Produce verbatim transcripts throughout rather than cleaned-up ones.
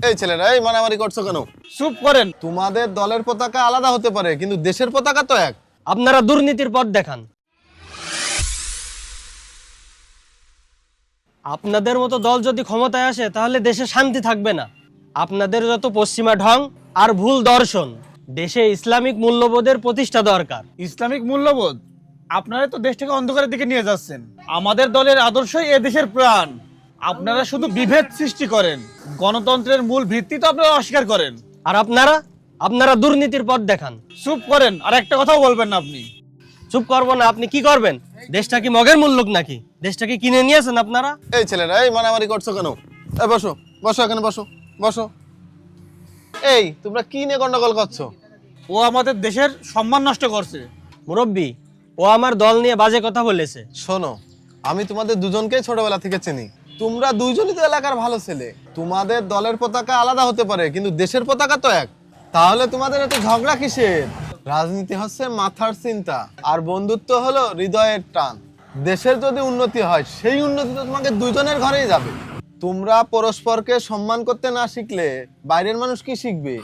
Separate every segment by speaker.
Speaker 1: এই ছেলেরা এই মারামারি করছো কেন?
Speaker 2: চুপ করেন।
Speaker 1: তোমাদের দলের পতাকা আলাদা হতে পারে, কিন্তু দেশের পতাকা তো এক।
Speaker 3: আপনারা দুর্নীতির পথ দেখান। আপনাদের মতো দল যদি ক্ষমতায় আসে তাহলে দেশে শান্তি থাকবে না। আপনাদের যত পশ্চিমা ঢং আর ভুল দর্শন, দেশে ইসলামিক মূল্যবোধের প্রতিষ্ঠা দরকার।
Speaker 2: ইসলামিক মূল্যবোধ? আপনারা তো দেশটাকে অন্ধকারের দিকে নিয়ে যাচ্ছেন। আমাদের দলের আদর্শই এ দেশের প্রাণ। আপনারা শুধু বিভেদ সৃষ্টি করেন, গণতন্ত্রের মূল ভিত্তি তো আপনারা অস্বীকার করেন।
Speaker 3: আর আপনারা আপনারা দুর্নীতির পথ দেখান।
Speaker 2: চুপ করেন, আর একটা কথাও বলবেন না আপনি।
Speaker 3: চুপ করবো না? আপনি কি করবেন? দেশটা কি মগের মূল্যক নাকি? দেশটাকে কিনে নিয়েছেন আপনারা।
Speaker 1: এই ছেলেরা এই মারামারি করছো কেন? এই বসো বসো, এখানে বসো বসো। এই তোমরা কি নিয়ে গন্ডগোল করছো?
Speaker 2: ও আমাদের দেশের সম্মান নষ্ট করছে।
Speaker 3: মুরব্বী, ও আমার দল নিয়ে বাজে কথা বলেছে।
Speaker 1: শোনো, আমি তোমাদের দুজনকেই ছোটবেলা থেকে চিনি। তোমরা দুইজনই তো এলাকার ভালো ছেলে। তোমাদের দলের পতাকা আলাদা হতে পারে, কিন্তু দেশের পতাকা তো এক। তাহলে তোমাদের এত ঝগড়া কিসের? রাজনীতি হচ্ছে মাথার চিন্তা, আর বন্ধুত্ব হলো হৃদয়ের টান। দেশের যদি উন্নতি হয়, সেই উন্নতি তো তোমাকে দুইজনের ঘরেই যাবে। তোমরা পরস্পরকে সম্মান করতে না শিখলে বাইরের মানুষ কি শিখবে?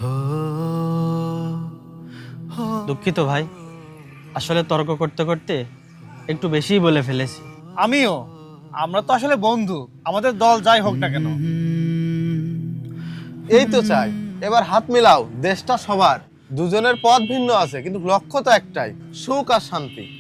Speaker 3: দুঃখিত ভাই, আসলে তর্ক করতে করতে একটু বেশিই বলে ফেলেছি।
Speaker 2: আমিও। আমরা তো আসলে বন্ধু, আমাদের দল যাই হোক না কেন।
Speaker 1: এই তো চাই, এবার হাত মিলাও। দেশটা সবার, দুজনের পথ ভিন্ন আছে কিন্তু লক্ষ্য তো একটাই, সুখ আর শান্তি।